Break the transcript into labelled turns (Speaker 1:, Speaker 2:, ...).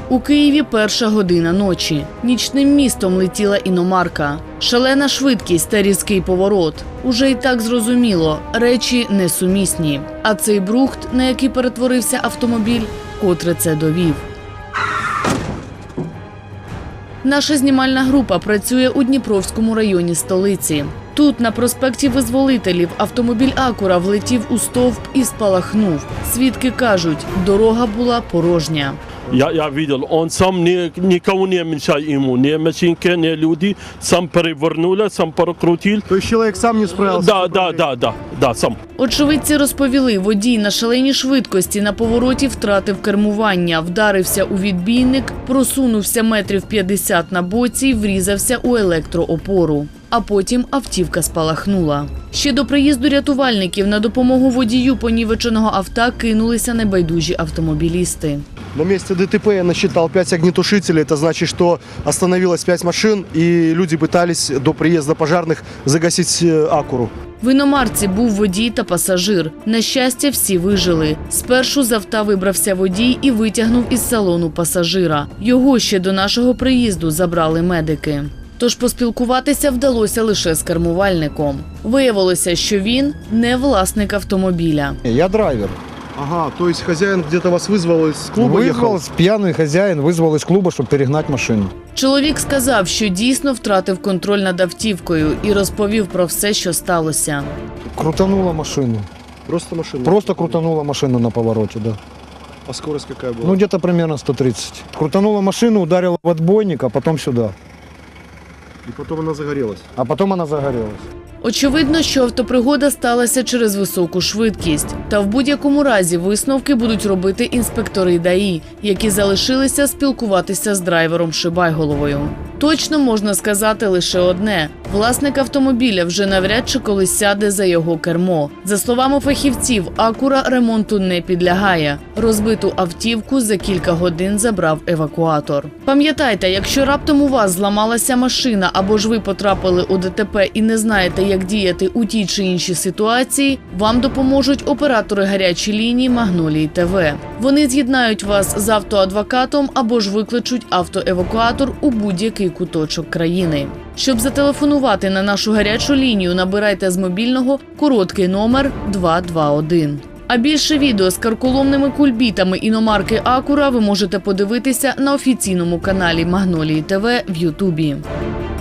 Speaker 1: У Києві 1 година ночі. Нічним містом летіла іномарка. Шалена швидкість та різкий поворот. Уже й так зрозуміло – речі несумісні. А цей брухт, на який перетворився автомобіль, котре це довів. Наша знімальна група працює у Дніпровському районі столиці. Тут, на проспекті Визволителів, автомобіль «Акура» влетів у стовп і спалахнув. Свідки кажуть, дорога була порожня.
Speaker 2: Я видел, он сам никого не мешал ему, ни машинки, ни люди, сам перевернули, сам прокрутил.
Speaker 3: То есть человек сам не справился?
Speaker 2: Да, сам.
Speaker 1: Очевидці розповіли, водій на шаленій швидкості на повороті втратив кермування, вдарився у відбійник, просунувся метрів 50 на боці і врізався у електроопору. А потім автівка спалахнула. Ще до приїзду рятувальників на допомогу водію понівеченого авто кинулися небайдужі автомобілісти.
Speaker 3: На месте ДТП я насчитал 5 огнетушителей. Это значит, что остановилось 5 машин, и люди пытались до приезда пожарных загасить «Акуру».
Speaker 1: В іномарці був водій та пасажир. На щастя, всі вижили. Спершу з авто вибрався водій і витягнув із салону пасажира. Його ще до нашого приїзду забрали медики. Тож поспілкуватися вдалося лише з кермувальником. Виявилося, що він не власник автомобіля.
Speaker 4: Я драйвер.
Speaker 3: Ага, то есть хозяин где-то вас вызвал из клуба, ехал?
Speaker 4: Пьяный хозяин вызвал из клуба, чтобы перегнать машину.
Speaker 1: Чоловік сказав, що дійсно втратив контроль над автівкою і розповів про все, що сталося.
Speaker 4: Крутанула машину.
Speaker 3: Просто машина?
Speaker 4: Просто крутанула машину на повороте, да.
Speaker 3: А скорость какая была?
Speaker 4: Ну, где-то примерно 130. Крутанула машину, ударила в отбойник, а потом сюда.
Speaker 3: И потом она загорелась?
Speaker 4: А потом она загорелась.
Speaker 1: Очевидно, що автопригода сталася через високу швидкість. Та в будь-якому разі висновки будуть робити інспектори ДАІ, які залишилися спілкуватися з драйвером Шибайголовою. Точно можна сказати лише одне – власник автомобіля вже навряд чи колись сяде за його кермо. За словами фахівців, «Акура» ремонту не підлягає. Розбиту автівку за кілька годин забрав евакуатор. Пам'ятайте, якщо раптом у вас зламалася машина або ж ви потрапили у ДТП і не знаєте, як діяти у тій чи іншій ситуації, вам допоможуть оператори гарячої лінії «Магнолії ТВ». Вони з'єднають вас з автоадвокатом або ж викличуть автоевакуатор у будь-який куточок країни. Щоб зателефонувати на нашу гарячу лінію, набирайте з мобільного короткий номер 221. А більше відео з карколомними кульбітами іномарки «Акура» ви можете подивитися на офіційному каналі «Магнолії ТВ» в Ютубі.